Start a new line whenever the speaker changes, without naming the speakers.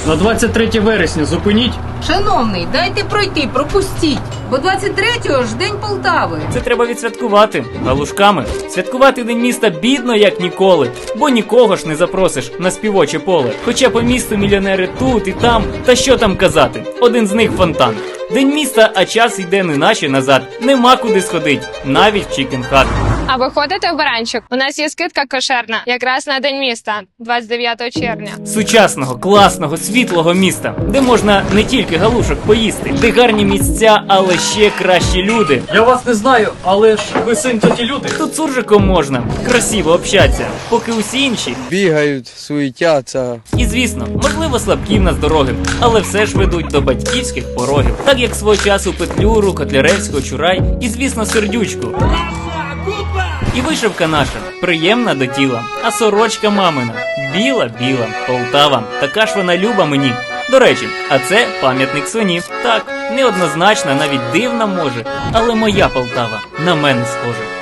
На 23 вересня зупиніть.
Шановний, дайте пройти, пропустіть. Бо 23-го ж День Полтави.
Це треба відсвяткувати галушками. Святкувати День міста бідно, як ніколи, бо нікого ж не запросиш на співоче поле. Хоча по місту мільйонери тут і там, та що там казати, один з них фонтан. День міста, а час йде неначе назад. Нема куди сходить, навіть в Чікенхат.
А ви ходите в Баранчик? У нас є скидка кошерна, якраз на День міста, 29 червня.
Сучасного, класного, світлого міста, де можна не тільки галушок поїсти, де гарні місця, але ще кращі люди.
Я вас не знаю, але ж ви син тоді люди.
Тут суржиком можна красиво общатися, поки усі інші
Бігають, суетяться.
і, звісно, можливо, слабкі в нас дороги, але все ж ведуть до батьківських порогів. Так як свого часу Петлюру, Котляревського, Чурай і, звісно, Сердючку. І вишивка наша приємна до тіла, а сорочка мамина біла-біла, Полтава. Така ж вона люба мені. До речі, а це пам'ятник свині. Так, неоднозначна, навіть дивна може, але моя Полтава на мене схожа.